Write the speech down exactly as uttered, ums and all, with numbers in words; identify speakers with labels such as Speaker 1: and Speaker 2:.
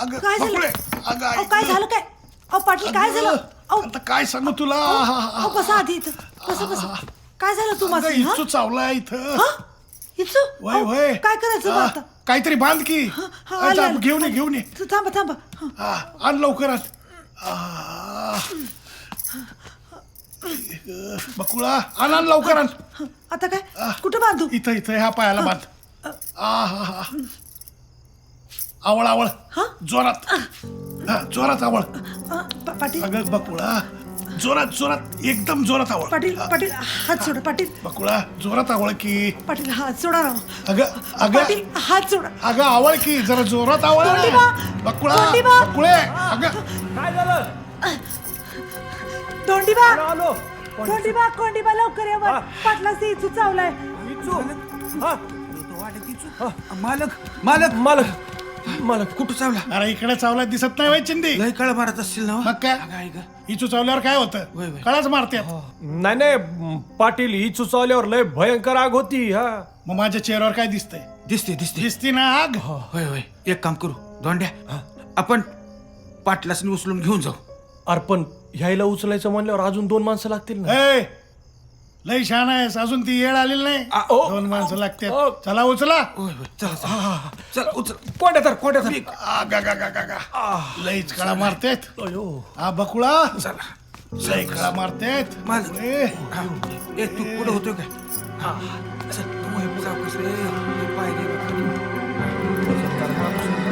Speaker 1: अगं,
Speaker 2: काय झालं
Speaker 1: बकुळे, अगं,
Speaker 2: अहो, काय झालं काय अहो पाटील काय झालं अहो
Speaker 1: आता काय सांगू तुला
Speaker 2: अहो, बसा आधी इथं बसा बसा काय झालं तू
Speaker 1: अगं,
Speaker 2: माझं हा
Speaker 1: इच्छू चावला इथं
Speaker 2: हा? इचू
Speaker 1: वय
Speaker 2: अहो,
Speaker 1: वय
Speaker 2: काय करायचं मग
Speaker 1: हा,
Speaker 2: आता
Speaker 1: काहीतरी बांध की
Speaker 2: हा, हा,
Speaker 1: हा,
Speaker 2: आले,
Speaker 1: जा,
Speaker 2: आले.
Speaker 1: घेऊन ये घेऊन ये
Speaker 2: तू थांबा थांबा हा.
Speaker 1: हा, आण लवकर आण आ, बकुळा आण आण लवकर आण
Speaker 2: हा, आता काय कुठं बांधू
Speaker 1: इथं इथं ह्या पायाला बांध आ हा हा आवळ आवळ
Speaker 2: हा?
Speaker 1: जोरात हा जोरात आवळ
Speaker 2: अ, पा- पाटील
Speaker 1: अगं बकुळा जोरात जोरात एकदम जोरात आवळ
Speaker 2: पाटील पाटील हात सोडा पाटील
Speaker 1: बकुळा जोरात आवळ की
Speaker 2: पाटील हात सोडा राव.
Speaker 1: अगं अगं
Speaker 2: पाटील हात सोडा
Speaker 1: अगं आवळ की जरा जोरात आवळ ना.
Speaker 2: तोंडीबा!
Speaker 1: बकुळा
Speaker 2: तोंडीबा!
Speaker 1: बकुळे अगं
Speaker 3: काय झालं
Speaker 2: दोंडीबा
Speaker 3: आलो आलो
Speaker 2: कोंडीबा कोंडीबा लवकर ये वर. पाटला सी इचू चावलाय
Speaker 3: इचू हा
Speaker 4: मालक मालक
Speaker 3: मालक मालक
Speaker 4: कुठं चावला
Speaker 1: अरे इकडे चावला दिसत नाही वय चिंदी
Speaker 4: लय काळ मारत असतील ना हो?
Speaker 1: मग काय
Speaker 4: अगं, ऐक.
Speaker 1: इचू चावल्यावर काय
Speaker 4: वय,
Speaker 1: होतं
Speaker 4: वय.
Speaker 1: कळाच मारते
Speaker 3: नाही नाही पाटील इचू चावल्यावर लय भयंकर आग होती हा
Speaker 1: मग माझ्या चेहऱ्यावर काय दिसतंय
Speaker 4: दिसते दिसते
Speaker 1: दिसती ना आग
Speaker 4: होय होय एक काम करू दोंड्या आपण पाटलासनी उचलून घेऊन जाऊ
Speaker 3: अर्पण ह्याला उचलायचं म्हणल्यावर अजून दोन माणसं लागतील ना
Speaker 1: ए लय छान आहेस अजून ती येळ आलेली नाही
Speaker 3: आ, ओ.
Speaker 1: दोन माणसं लागते
Speaker 3: ओ.
Speaker 1: चला उचला
Speaker 4: होय होय चला चला चल उचल
Speaker 3: कोणत्या तर कोणत्या तर
Speaker 1: आगा गा गा गा गा लईच कळा मारतेत
Speaker 3: अयो
Speaker 1: हा बकुळा
Speaker 4: चला
Speaker 1: लय कळा मारतेत
Speaker 4: मालक
Speaker 1: ए,
Speaker 4: हा. ए तू पुढे होतोय काय हा चल तू हे सावकाश रे हे पाय दे.